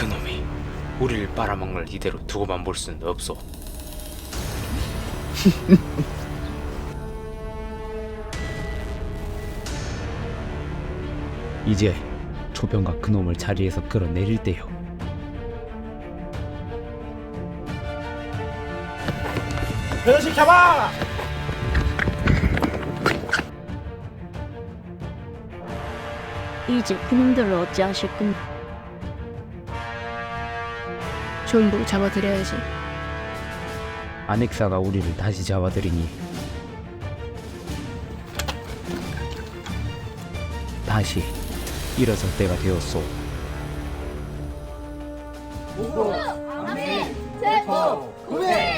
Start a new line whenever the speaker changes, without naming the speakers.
그놈이 우리를 빨아먹는 걸 이대로 두고만 볼 수는 없소.
이제 초병과 그놈을 자리에서 끌어내릴 때요.
변호식 잡아!
이제 그놈들을 어찌하실 건?
전부 잡아드려야지.
아넥사가 우리를 다시 잡아들이니 다시 일어설 때가 되었소.
제포 구매